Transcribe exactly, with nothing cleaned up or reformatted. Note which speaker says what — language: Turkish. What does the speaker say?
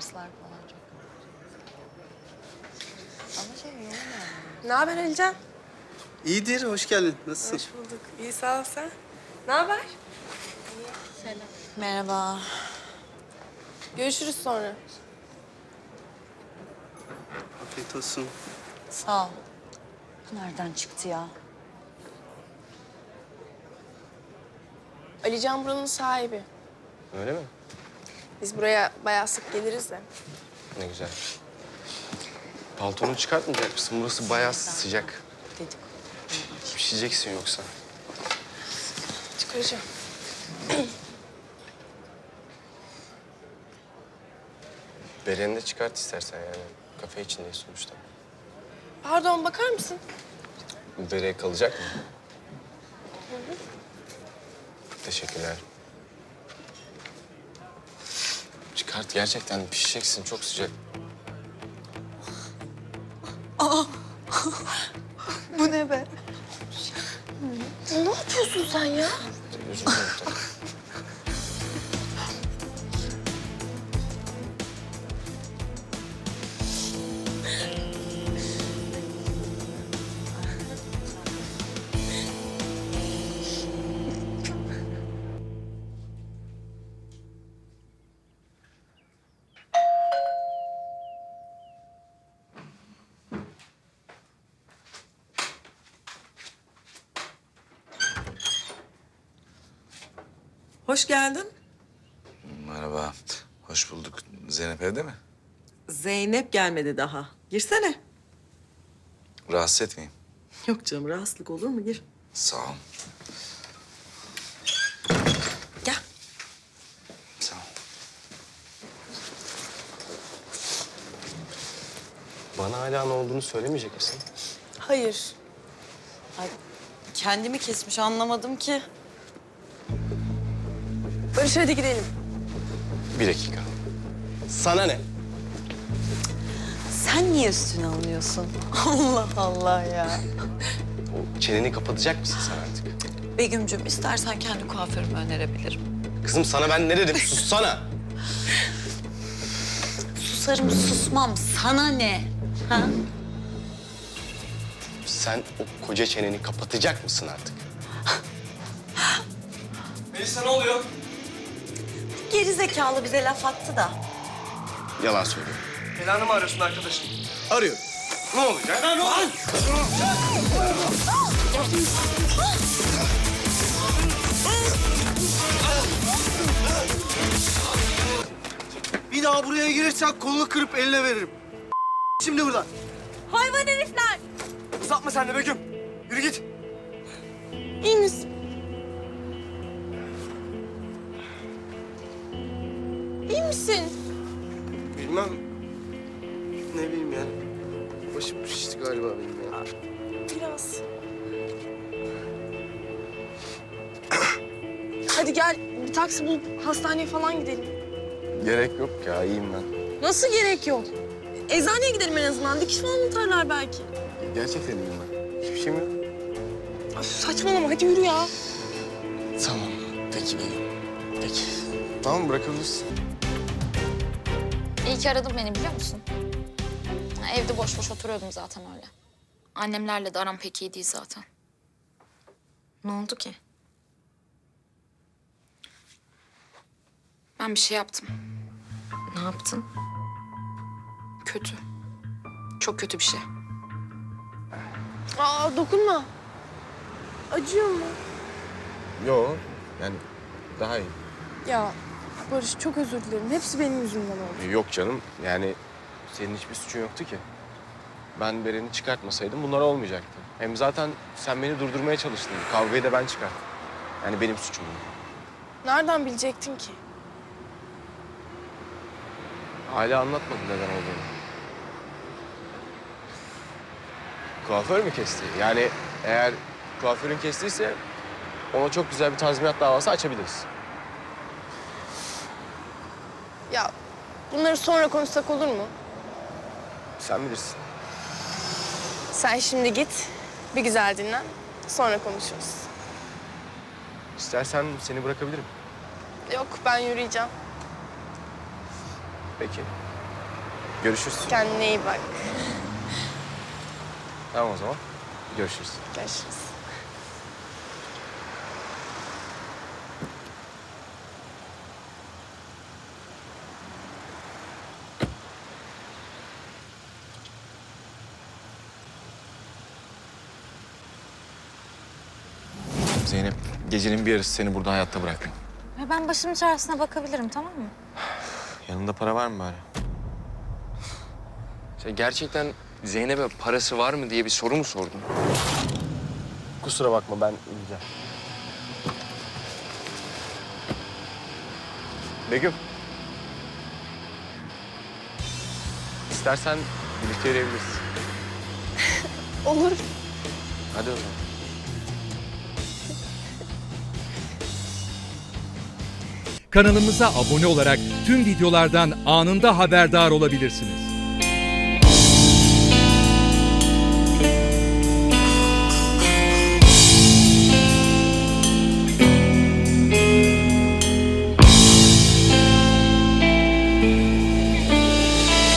Speaker 1: dersler falan çok. Ama şey yoğun yani.
Speaker 2: Ne haber Alican?
Speaker 3: İyidir, hoş geldin. Nasılsın?
Speaker 2: Hoş bulduk. İyi sağ ol sen. Ne haber?
Speaker 1: Selam. Merhaba.
Speaker 2: Görüşürüz sonra.
Speaker 3: Afiyet olsun.
Speaker 1: Sağ ol. Bu nereden çıktı ya?
Speaker 2: Alican buranın sahibi.
Speaker 4: Öyle mi?
Speaker 2: Biz buraya bayağı sık geliriz de.
Speaker 4: Ne güzel. Paltonu çıkartmayacak mısın? Burası bayağı sıcak.
Speaker 1: Dedik.
Speaker 4: Pişeceksin yoksa.
Speaker 2: Çıkaracağım.
Speaker 4: Bereni de çıkart istersen yani. Kafe içindeyiz sonuçta.
Speaker 2: Pardon bakar mısın?
Speaker 4: Bereye kalacak mı? Teşekkürler. Çıkart, gerçekten pişeceksin. Çok sıcak.
Speaker 1: Bu ne be?
Speaker 2: Ne yapıyorsun sen ya?
Speaker 4: Özür dilerim.
Speaker 5: Hoş geldin.
Speaker 6: Merhaba, hoş bulduk. Zeynep evde mi?
Speaker 5: Zeynep gelmedi daha. Girsene.
Speaker 6: Rahatsız etmeyeyim.
Speaker 5: Yok canım, rahatsızlık olur mu? Gir.
Speaker 6: Sağ ol.
Speaker 5: Gel.
Speaker 6: Sağ ol.
Speaker 4: Bana hala ne olduğunu söylemeyecek misin?
Speaker 2: Hayır.
Speaker 1: Ay, kendimi kesmiş anlamadım ki.
Speaker 2: Barış hadi gidelim.
Speaker 4: Bir dakika. Sana ne?
Speaker 1: Sen niye üstüne alınıyorsun? Allah Allah ya.
Speaker 4: O çeneni kapatacak mısın sen artık?
Speaker 1: Begüm'cüm istersen kendi kuaförümü önerebilirim.
Speaker 4: Kızım sana ben ne dedim? Sussana.
Speaker 1: Susarım susmam. Sana ne? Ha?
Speaker 4: Sen o koca çeneni kapatacak mısın artık?
Speaker 3: Melisa ne oluyor?
Speaker 1: Geri zekalı bize laf attı da.
Speaker 4: Yalan söylüyor.
Speaker 3: Belanı mı arıyorsun arkadaşım?
Speaker 4: Arıyorum. Ne olacak?
Speaker 3: Lan oğlum! Bir daha buraya girirsen kolunu kırıp eline veririm. Şimdi buradan.
Speaker 1: Hayvan herifler!
Speaker 3: Uzatma sen de Begüm. Yürü git.
Speaker 2: İyi misin? İyi misin?
Speaker 3: Bilmem. Ne bileyim yani. Başım şişti galiba benim ya.
Speaker 2: Biraz. Hadi gel bir taksi bulup hastaneye falan gidelim.
Speaker 4: Gerek yok ya, iyiyim ben.
Speaker 2: Nasıl gerek yok? Eczaneye gidelim en azından. Dikiş falan atarlar belki.
Speaker 4: Gerçekten iyiyim ben. Hiçbir şeyim yok.
Speaker 2: Ay, saçmalama hadi yürü ya.
Speaker 4: Tamam, peki benim. Peki. Tamam, bırakabilirsin.
Speaker 7: İyi ki aradın beni biliyor musun? Ha, evde boş boş oturuyordum zaten öyle. Annemlerle de aram pek iyi değil zaten. Ne oldu ki? Ben bir şey yaptım.
Speaker 2: Ne yaptın?
Speaker 7: Kötü. Çok kötü bir şey.
Speaker 2: Aa dokunma. Acıyor mu?
Speaker 4: Yok, yani daha iyi.
Speaker 2: Ya Barış çok özür dilerim. Hepsi benim yüzümden oldu.
Speaker 4: Yok canım, yani senin hiçbir suçun yoktu ki. Ben Beren'i çıkartmasaydım bunlar olmayacaktı. Hem zaten sen beni durdurmaya çalıştın. Kavgayı da ben çıkarttım. Yani benim suçum bu.
Speaker 2: Nereden bilecektin ki?
Speaker 4: Hala anlatmadın neden olduğunu. Kuaför mü kesti? Yani eğer kuaförün kestiyse ona çok güzel bir tazminat davası açabiliriz.
Speaker 2: Ya bunları sonra konuşsak olur mu?
Speaker 4: Sen bilirsin.
Speaker 2: Sen şimdi git. Bir güzel dinlen. Sonra konuşuruz.
Speaker 4: İstersen seni bırakabilirim.
Speaker 2: Yok ben yürüyeceğim.
Speaker 4: Peki. Görüşürüz.
Speaker 2: Kendine iyi bak.
Speaker 4: Tamam o zaman. Görüşürüz.
Speaker 2: Görüşürüz.
Speaker 4: Zeynep, gecenin bir yarısı seni burada hayatta bırakmam.
Speaker 7: Ya ben başımın çaresine bakabilirim, tamam mı?
Speaker 4: Yanında para var mı bari?
Speaker 8: Sen gerçekten Zeynep'e parası var mı diye bir soru mu sordun?
Speaker 4: Kusura bakma, ben ineceğim. Begüm. İstersen birlikte yürüyebiliriz.
Speaker 2: Olur.
Speaker 4: Hadi o zaman.
Speaker 9: Kanalımıza abone olarak tüm videolardan anında haberdar olabilirsiniz.